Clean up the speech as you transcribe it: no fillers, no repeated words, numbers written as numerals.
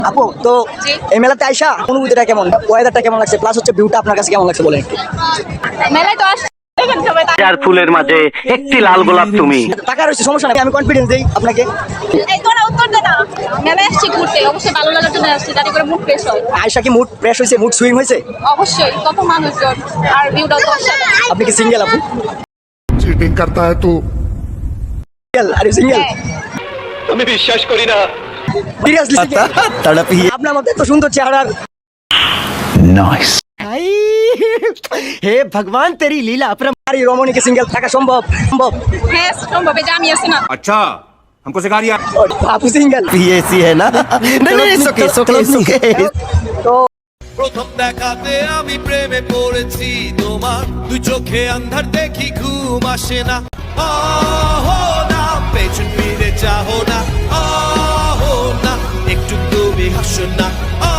আপু তো এই মেলাতে আইসা অনুভূতিটা কেমন, ওয়েদারটা কেমন লাগছে, প্লাস হচ্ছে ভিউটা আপনার কাছে কেমন লাগছে বলেন একটু। মেলায় তো আসছে চার ফুলের মাঝে একটি লাল গোলাপ তুমি। টাকা রয়েছে সমস্যা নাই, আমি কনফিডেন্স দেই আপনাকে। এই তোরা উত্তর দে না। মেলায় আসছি ঘুরতে, অবশ্যই ভালো লাগার জন্য আসছি, যাতে করে মুড ফ্রেশ হয়। আয়শা কি মুড ফ্রেশ হয়েছে, মুড সুইং হয়েছে? অবশ্যই, কত মানুষজন আর ভিউটাও তো অসাধারণ। আপনি কি সিঙ্গেল আপু? चीटिंग करता है तू। সিঙ্গেল? Are you single? আমি বিশ্বাস করি না। সিরিয়াসলি আপনার মধ্যে এত সুন্দর চেহারার नाइस। हे भगवान तेरी लीला अपरम। নারী রমণীকে সিঙ্গেল থাকা সম্ভব? সম্ভব। হ্যাঁ সম্ভব, এই যে আমি আছি না। अच्छा हमको सिखा दिया। আপু সিঙ্গেল? ये ऐसी है ना। नहीं नहीं सुके सुके सुके। তো প্রথম দেখাতে আমি প্রেমে পড়েছি তোমার, দুই চোখে আন্ধার দেখি ঘুম আসে না। আহো না পেছন ফিরে চাহো না, আহো না একটু তুমি হাসো না।